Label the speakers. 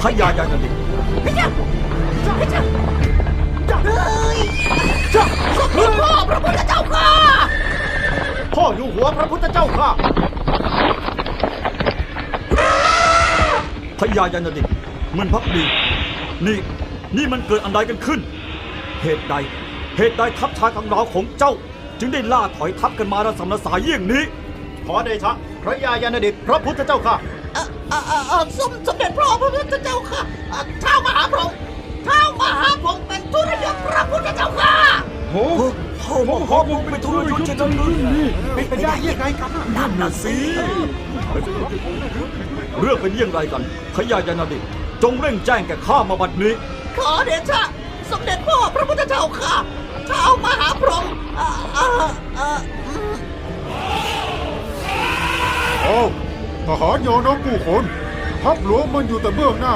Speaker 1: ยายานดิ
Speaker 2: พระเจ้าพระเจ้าเฮ้ยสมเด็จพ่อพระพุทธเจ้าค่ะ
Speaker 3: พ่ออยู่หัวพระพุทธเจ้าค่ะ
Speaker 1: พยายานดิมันพักดีนี่มันเกิดอันใดกันขึ้นเหตุใดทัพชายกังราวของเจ้าจึงได้ล่าถอยทัพกันมาระสำระสายเยี่ยงนี้
Speaker 3: ขอเดชะพระยายานดิพระพุทธเจ้าค่ะ
Speaker 2: สมเด็จพ่อพระพุทธเจ้าค่ะเท้ามหาพรหมเป็นทุรยศพระพุทธเจ้าค่ะ
Speaker 1: โอ้พ่อมหาพรหมเป็นทุรยศเช่นนั้นหรือ
Speaker 3: เป็นไปได้ยังไงกัน
Speaker 1: นั่นน่ะสิเรื่องเป็นอย่างไรกันพยายานดิจงเร่งแจ้งแก่ข้ามาบัดนี้
Speaker 2: ขอเดชะสมเด็จพ่อพระพุทธเจ้าค่ะเท้ามหาพรหม
Speaker 4: ทหารยอน้องผู้คนทัพหลวงมันอยู่แต่เบื้องหน้า